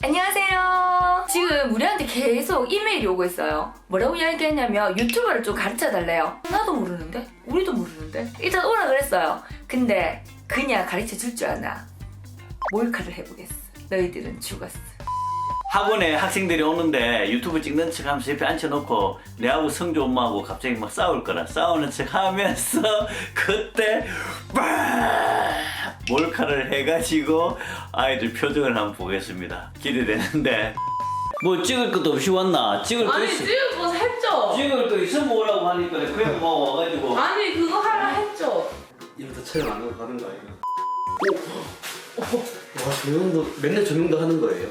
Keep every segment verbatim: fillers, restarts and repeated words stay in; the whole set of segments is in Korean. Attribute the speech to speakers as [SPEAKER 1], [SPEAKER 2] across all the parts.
[SPEAKER 1] 안녕하세요. 지금 우리한테 계속 이메일이 오고 있어요. 뭐라고 이야기했냐면 유튜버를 좀 가르쳐달래요. 나도 모르는데? 우리도 모르는데? 일단 오라 그랬어요. 근데 그냥 가르쳐 줄 줄 아나. 몰카를 해보겠어. 너희들은 죽었어.
[SPEAKER 2] 학원에 학생들이 오는데 유튜브 찍는 척 하면서 옆에 앉혀놓고 내하고 성주 엄마하고 갑자기 막 싸울 거라 싸우는 척 하면서 그때 빡! 몰카를 해가지고 아이들 표정을 한번 보겠습니다. 기대되는데 뭐 찍을 것도 없이 왔나? 찍을 거
[SPEAKER 3] 아니
[SPEAKER 2] 있어.
[SPEAKER 3] 찍을 거 했죠?
[SPEAKER 2] 찍을 거 있으면 오라고 하니까 그냥 뭐 와가지고
[SPEAKER 3] 아니 그거 하라 했죠?
[SPEAKER 4] 이부터 촬영 안 하고 가는 거 아니에요? 오! 와 조명도 맨날 조명도 하는 거예요?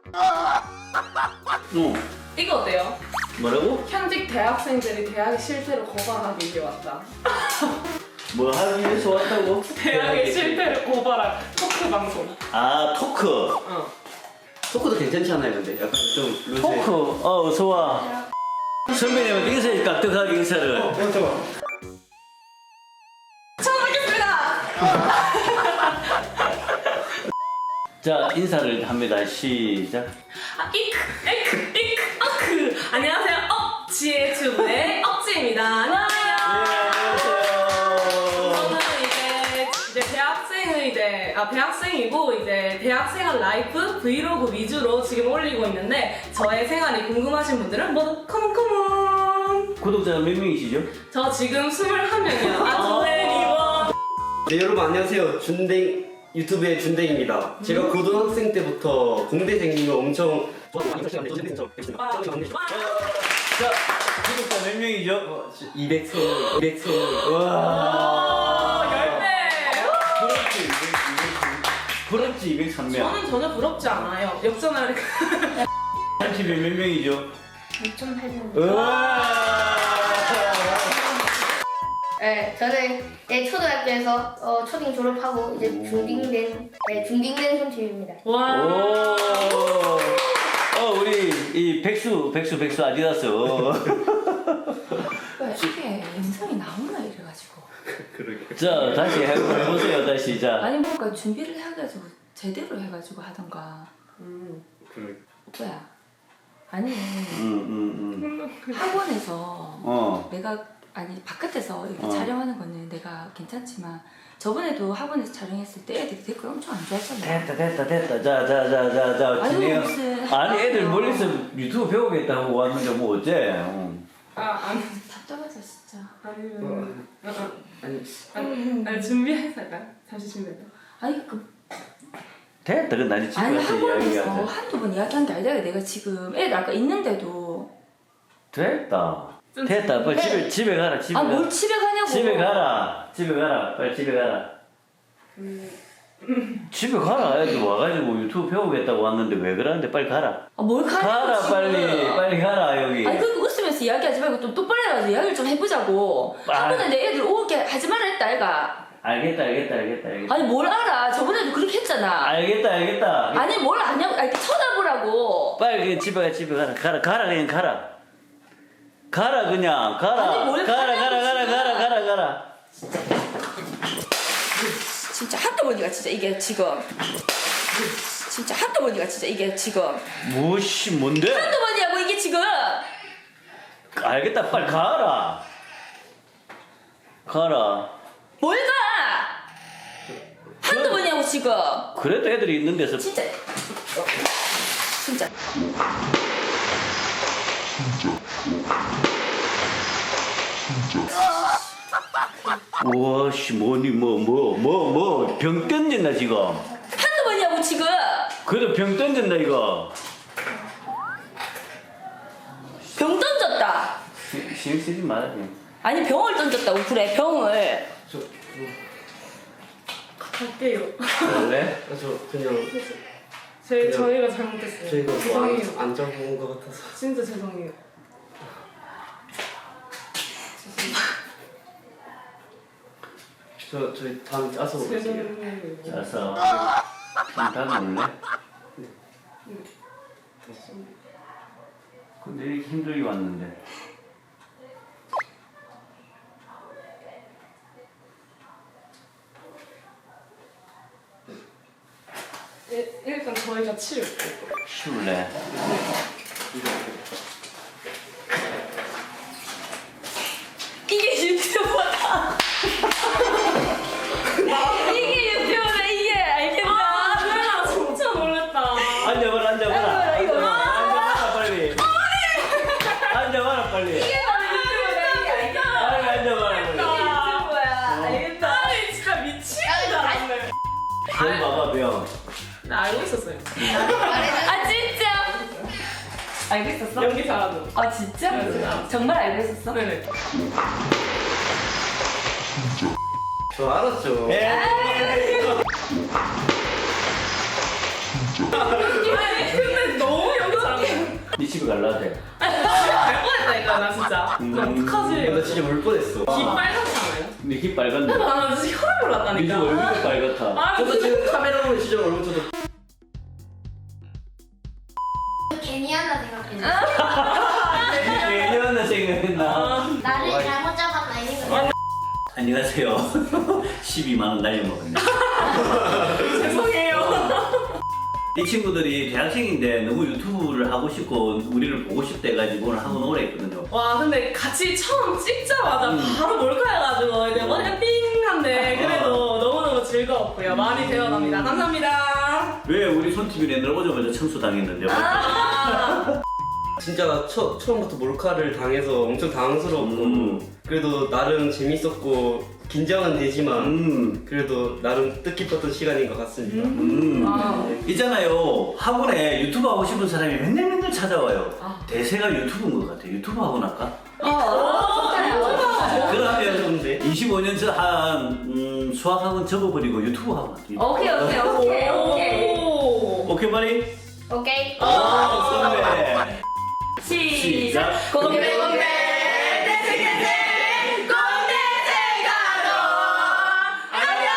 [SPEAKER 2] 응.
[SPEAKER 3] 이거 어때요?
[SPEAKER 2] 뭐라고?
[SPEAKER 3] 현직 대학생들이 대학의 실태를 고발하기 위해 왔다.
[SPEAKER 2] 뭐 하기 위해서 왔다고?
[SPEAKER 3] 대학의 실태를 고발한 토크 방송.
[SPEAKER 2] 아 토크
[SPEAKER 3] 어.
[SPEAKER 4] 토크도 괜찮잖아요 근데 약간 좀 루즈
[SPEAKER 2] 토크 어 어서와 선배님한테 인사해 깍듯하게 인사를
[SPEAKER 4] 어 잠깐만
[SPEAKER 3] 처음 뵙겠습니다.
[SPEAKER 2] 자 인사를 합니다. 시작.
[SPEAKER 3] 아, 이크, 에크, 이크, 어크. 안녕하세요. 억지의 주부의 억지입니다. 안녕하세요. 저는 이제 이제 대학생의 이제 아 대학생이고 이제 대학생활 라이프 브이로그 위주로 지금 올리고 있는데 저의 생활이 궁금하신 분들은 모두 컴온 컴온.
[SPEAKER 2] 구독자가 몇 명이시죠?
[SPEAKER 3] 저 지금 스물한 명이요. 아 저의 리본.
[SPEAKER 4] 네 여러분 안녕하세요 준댕 유튜브의 준댕입니다 제가 고등학생 때부터 공대생님을 엄청
[SPEAKER 2] 자 구독자 몇 명이죠?
[SPEAKER 4] 이백 세 이백 세
[SPEAKER 2] 와
[SPEAKER 3] 열 배.
[SPEAKER 2] 부럽지 부럽지 이백삼 명.
[SPEAKER 3] 저는 전혀 부럽지 않아요. 역전할
[SPEAKER 2] 삼십이 몇 명이죠?
[SPEAKER 1] 육천팔 명.
[SPEAKER 2] 우와
[SPEAKER 5] 네, 저는 네, 초등학교에서 어, 초딩 졸업하고 이제 중딩된 네, 중딩된 손님입니다.
[SPEAKER 3] 와.
[SPEAKER 2] 오. 어 우리 이 백수 백수 백수 아디다스.
[SPEAKER 1] 왜 이게 영상이 나오나 이래가지고.
[SPEAKER 4] 그러게
[SPEAKER 2] 자 다시 해보세요 다시 자.
[SPEAKER 1] 아니 뭔가 준비를 해가지고 제대로 해가지고 하던가.
[SPEAKER 3] 음.
[SPEAKER 4] 그러게
[SPEAKER 1] 오빠야. 아니
[SPEAKER 2] 응응응.
[SPEAKER 1] 학원에서
[SPEAKER 2] 어.
[SPEAKER 1] 내가 아니 바깥에서 이렇게
[SPEAKER 2] 어.
[SPEAKER 1] 촬영하는 거는 내가 괜찮지만 저번에도 학원에서 촬영했을 때 애들이 댓글 엄청 안 좋아했잖아.
[SPEAKER 2] 됐다 됐다 됐다 자자자자자
[SPEAKER 1] 아니,
[SPEAKER 2] 진행.
[SPEAKER 1] 무슨
[SPEAKER 2] 아니 애들
[SPEAKER 1] 학원이요.
[SPEAKER 2] 멀리서 유튜브 배우겠다고 왔는데 뭐 어째? 응.
[SPEAKER 3] 아 아니
[SPEAKER 1] 답답하다 진짜.
[SPEAKER 3] 아니면 어, 어.
[SPEAKER 4] 아니
[SPEAKER 3] 아니, 아니 준비해서 할까요? 잠시 준비해서.
[SPEAKER 1] 아니 그
[SPEAKER 2] 됐다 그 나니 집에
[SPEAKER 1] 아니
[SPEAKER 2] 가서
[SPEAKER 1] 학원에서
[SPEAKER 2] 이야기하자.
[SPEAKER 1] 한두 번 이야기한 게 아니라 내가 지금 애들 아까 있는데도
[SPEAKER 2] 됐다.
[SPEAKER 3] 좀
[SPEAKER 2] 됐다. 빨리
[SPEAKER 1] 해.
[SPEAKER 2] 집에 집에 가라. 집에
[SPEAKER 1] 아
[SPEAKER 2] 가라.
[SPEAKER 1] 뭘 집에 가냐고.
[SPEAKER 2] 집에 가라. 집에 가라. 빨리 집에 가라. 집에 가라. 애들 와가지고 유튜브 배우겠다고 왔는데 왜 그러는데 빨리 가라.
[SPEAKER 1] 아, 뭘 가냐고
[SPEAKER 2] 가라
[SPEAKER 1] 지금.
[SPEAKER 2] 빨리 빨리 가라 여기.
[SPEAKER 1] 아니 그렇게 웃으면서 이야기하지 말고 좀 똑바로 해가지고 이야기를 좀 해보자고.
[SPEAKER 2] 아.
[SPEAKER 1] 학원에 내 애들 오게 하지 말라 했다 애가.
[SPEAKER 2] 알겠다 알겠다 알겠다 알겠다.
[SPEAKER 1] 아니 뭘 알아. 저번에도 그렇게 했잖아.
[SPEAKER 2] 알겠다 알겠다.
[SPEAKER 1] 아니 뭘 아냐고. 아니 쳐다보라고.
[SPEAKER 2] 빨리 그냥 집에 가 집에 가라. 가라 가라 그냥 가라. 가라 그냥 가라.
[SPEAKER 1] 아니, 뭘
[SPEAKER 2] 가라 가라 가라
[SPEAKER 1] 가냐고,
[SPEAKER 2] 가라 가라 가라.
[SPEAKER 1] 진짜 한꺼번이가 진짜 이게 지금. 진짜 한꺼번이가 진짜 이게 지금.
[SPEAKER 2] 뭐씨 뭔데?
[SPEAKER 1] 한꺼번이야고 이게 지금.
[SPEAKER 2] 알겠다 빨리 가라. 가라.
[SPEAKER 1] 뭘 가? 한두 번이냐고 지금.
[SPEAKER 2] 그래도 애들이 있는 데서
[SPEAKER 1] 진짜. 진짜.
[SPEAKER 2] 와씨 뭐니 뭐 뭐 뭐 뭐 병 던진다 지금.
[SPEAKER 1] 한두 번이냐고 지금.
[SPEAKER 2] 그래도 병 던진다 이거.
[SPEAKER 1] 병 던졌다.
[SPEAKER 2] 시- 신경 쓰지 마라 그냥.
[SPEAKER 1] 아니 병을 던졌다고 그래 병을.
[SPEAKER 4] 저,
[SPEAKER 3] 갈게요.
[SPEAKER 2] 원래?
[SPEAKER 4] 아, 저 그냥
[SPEAKER 3] 제 저희가 잘못했어요.
[SPEAKER 4] 저희가
[SPEAKER 3] 죄송해요.
[SPEAKER 4] 뭐안 잡은 것 같아서
[SPEAKER 3] 진짜 죄송해요.
[SPEAKER 4] 저 저희 다음 짜서 먹을게요
[SPEAKER 3] 죄송해요.
[SPEAKER 2] 자서 좀 닫아볼래? 근데 이렇게 힘들게 왔는데.
[SPEAKER 3] 일- 일단 저희가 치울게요.
[SPEAKER 2] 쉬울래?
[SPEAKER 1] 이게 유튜버다. 이게 유튜버다. 이게 알겠다.
[SPEAKER 3] 아, 나 진짜 놀랬다.
[SPEAKER 2] 앉아봐라, 앉아봐라.
[SPEAKER 1] 이거 봐.
[SPEAKER 2] 앉아봐라, 빨리. 앉아봐라, 빨리.
[SPEAKER 1] 이게 바로 유튜버다. 이게 알겠다.
[SPEAKER 2] 빨리 앉아봐라, 빨리.
[SPEAKER 1] 유튜버야. 알겠다.
[SPEAKER 3] 아니, 진짜 미치는 줄 알았네.
[SPEAKER 2] 병 봐봐, 병.
[SPEAKER 3] 나 알고 있었어요.
[SPEAKER 1] 아 진짜? 알고 있었어?
[SPEAKER 3] 연기 잘하는.
[SPEAKER 1] 아 진짜? 정말 알고 있었어?
[SPEAKER 3] 네네.
[SPEAKER 4] 저 알았죠.
[SPEAKER 2] 에이.
[SPEAKER 3] 아니, 근데 너무 연기 잘하는.
[SPEAKER 2] 네 집에 갈라 돼.
[SPEAKER 3] 갈 뻔했다니까, 나 진짜. 나
[SPEAKER 2] 음.
[SPEAKER 3] 어떡하지?
[SPEAKER 4] 나 진짜 울 뻔했어.
[SPEAKER 3] 기 빨갛지 않아요?
[SPEAKER 2] 근데 힙 빨간데.
[SPEAKER 3] 나 진짜 혈압
[SPEAKER 2] 네
[SPEAKER 3] 올랐다니까.
[SPEAKER 2] 집 얼굴도 빨갛다.
[SPEAKER 3] 아,
[SPEAKER 4] 저도 지금 카메라 보면 진짜 얼굴 저도
[SPEAKER 5] 괜히 하나 생각했네.
[SPEAKER 2] 예년나 생각했나?
[SPEAKER 5] 나를 잘못 잡았나 이거.
[SPEAKER 2] 안녕하세요. 십이만 원 날려먹었네.
[SPEAKER 3] 죄송해요.
[SPEAKER 2] 이 친구들이 대학생인데 너무 유튜브를 하고 싶고 우리를 보고 싶다 해가지고 오늘 한번 오래 했거든요.
[SPEAKER 3] 와, 근데 같이 처음 찍자마자
[SPEAKER 2] 음.
[SPEAKER 3] 바로 몰카해가지고 이제 머리가 띵한데 그래도 너무너무 즐거웠고요. 많이 배워갑니다. 감사합니다.
[SPEAKER 2] 왜 우리 손TV 내늘 오자마자 청소당했는데?
[SPEAKER 3] 아,
[SPEAKER 4] 진짜 처, 처음부터 몰카를 당해서 엄청 당황스러웠고
[SPEAKER 2] 음.
[SPEAKER 4] 그래도 나름 재밌었고 긴장은 되지만
[SPEAKER 2] 음.
[SPEAKER 4] 그래도 나름 뜻깊었던 시간인 것 같습니다.
[SPEAKER 2] 음.
[SPEAKER 3] 아.
[SPEAKER 2] 있잖아요. 학원에 유튜브 하고 싶은 사람이 맨날 맨날 찾아와요.
[SPEAKER 3] 아.
[SPEAKER 2] 대세가 유튜브인 것 같아요. 유튜브 학원 할까?
[SPEAKER 1] 어.
[SPEAKER 2] 그러면
[SPEAKER 4] 좋은데?
[SPEAKER 2] 이십오 년 전 한 음, 수학 학원 접어버리고 유튜브 학원 할게요.
[SPEAKER 1] 오케이 오케이 오케이 오케이.
[SPEAKER 3] 오.
[SPEAKER 2] 오케이 말이?
[SPEAKER 5] 오케이.
[SPEAKER 2] 아, 선배.
[SPEAKER 1] 시작.
[SPEAKER 2] 시작.
[SPEAKER 1] 공대 공대 대생대생 공대생가로 안녕.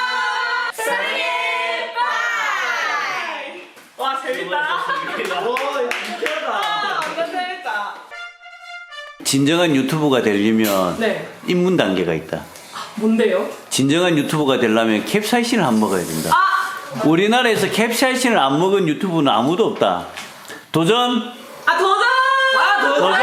[SPEAKER 1] 사랑해 빠이.
[SPEAKER 3] 와, 재밌다.
[SPEAKER 4] 와 진짜다.
[SPEAKER 3] 아, 완전 재밌다.
[SPEAKER 2] 진정한 유튜버가 되려면
[SPEAKER 3] 네.
[SPEAKER 2] 입문 단계가 있다.
[SPEAKER 3] 뭔데요?
[SPEAKER 2] 진정한 유튜버가 되려면 캡사이신을 안 먹어야 된다.
[SPEAKER 3] 아!
[SPEAKER 2] 우리나라에서 캡사이신을 안 먹은 유튜브는 아무도 없다. 도전!
[SPEAKER 3] 아, 도전! 아,
[SPEAKER 2] 도전,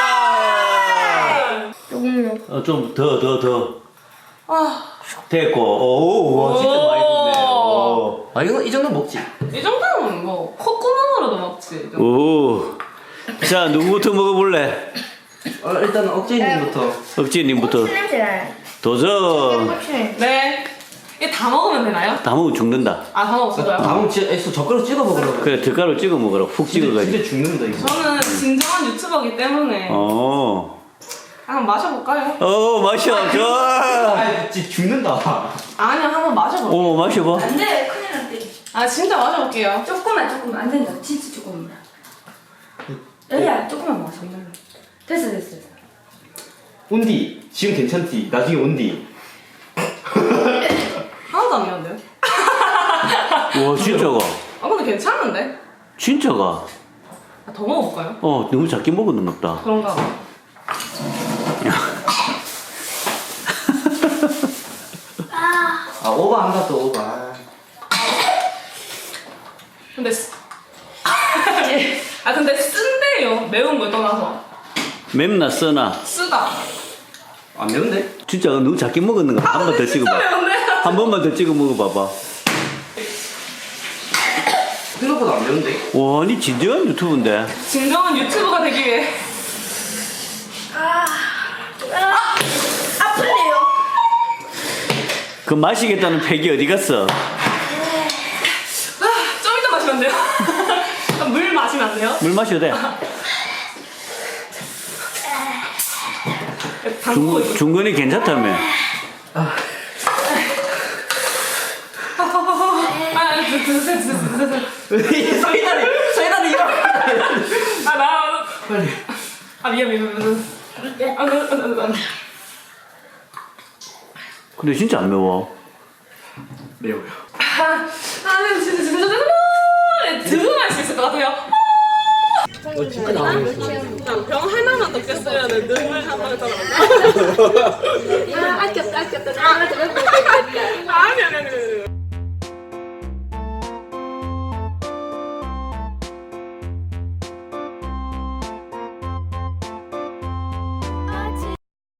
[SPEAKER 2] 도전!
[SPEAKER 5] 조금요.
[SPEAKER 2] 어, 좀 더, 더, 더.
[SPEAKER 3] 아,
[SPEAKER 2] 됐고, 오, 와, 진짜 많이 됐네. 오.
[SPEAKER 4] 아 이거 이 정도 먹지.
[SPEAKER 3] 이 정도면 뭐 콧구멍으로도 먹지. 이 정도.
[SPEAKER 2] 오. 자, 누구부터 먹어볼래?
[SPEAKER 4] 어, 일단 억제님부터.
[SPEAKER 2] 억지님부터.
[SPEAKER 5] 고추 냄새 나요.
[SPEAKER 2] 도전!
[SPEAKER 5] 고추 냄새.
[SPEAKER 3] 네. 이게 다 먹으면 되나요?
[SPEAKER 2] 다 먹으면 죽는다.
[SPEAKER 3] 아, 다 먹었어요?
[SPEAKER 4] 다음 진짜 애써 젓가락 찍어 먹으라고.
[SPEAKER 2] 그래, 젓가락 찍어 먹어라. 푹 찍어가지고.
[SPEAKER 4] 진짜 죽는다 이거.
[SPEAKER 3] 저는 진정한 유튜버기 때문에
[SPEAKER 2] 어.
[SPEAKER 3] 한번 마셔볼까요?
[SPEAKER 2] 어, 마셔. 좋아.
[SPEAKER 4] 아 진짜 죽는다.
[SPEAKER 3] 아니요, 한번 마셔볼게요.
[SPEAKER 2] 오, 마셔봐.
[SPEAKER 1] 안돼 큰일 났대.
[SPEAKER 3] 아, 진짜 마셔볼게요.
[SPEAKER 1] 조금만 조금만 안 된다. 진짜 조금만. 여기야 조금만 마셔. 됐어 됐어 됐어.
[SPEAKER 4] 온디 지금 괜찮디. 나중에 온디.
[SPEAKER 3] 하나도 안 매운데요?
[SPEAKER 2] 와, 진짜가.
[SPEAKER 3] 아, 근데 괜찮은데?
[SPEAKER 2] 진짜가.
[SPEAKER 3] 아, 더 먹어볼까요?
[SPEAKER 2] 어, 너무 작게 먹었는 것 같다.
[SPEAKER 3] 그런가 봐.
[SPEAKER 4] 아 오버한다 또 오버.
[SPEAKER 3] 근데 쓰... 아, 근데 쓴데요. 매운 걸 떠나서.
[SPEAKER 2] 맵나 써나.
[SPEAKER 3] 쓰다.
[SPEAKER 4] 안 매운데?
[SPEAKER 2] 진짜 너무 작게 먹었는 것 같아. 한 번 더
[SPEAKER 3] 진짜
[SPEAKER 2] 찍어봐.
[SPEAKER 3] 매운데?
[SPEAKER 2] 한 번만 더 찍어 먹어봐봐.
[SPEAKER 4] 생각보다 안 매운데?
[SPEAKER 2] 와, 니 진정한 유튜브인데.
[SPEAKER 3] 진정한 유튜버가 되기 위해.
[SPEAKER 5] 아플래요.
[SPEAKER 2] 그 마시겠다는 팩이 어디 갔어?
[SPEAKER 3] 아, 좀 이따 마시면 안 돼요? 아, 물 마시면 안 돼요?
[SPEAKER 2] 물 마셔도 돼.
[SPEAKER 3] 담고
[SPEAKER 2] 중, 중근이 괜찮다며.
[SPEAKER 3] 아, 드세요, 드세요, 드세요.
[SPEAKER 4] 서이다리 서이다리 이러.
[SPEAKER 3] 아, 나.
[SPEAKER 4] 빨리.
[SPEAKER 3] 아, 미안, 미안, 미안. 아, 그, 아, 아, 아.
[SPEAKER 2] 근데 진짜 안 매워.
[SPEAKER 4] 매워요.
[SPEAKER 3] 아, 아, 네, 진짜, 진짜, 진짜. 들어갈 수 있을 것 같아요.
[SPEAKER 4] 어 진짜 나오네.
[SPEAKER 3] 병 하나만 더 깼으면 눈물 한 방울 떨어져.
[SPEAKER 5] 아, 아꼈다, 아꼈다. 아, 저거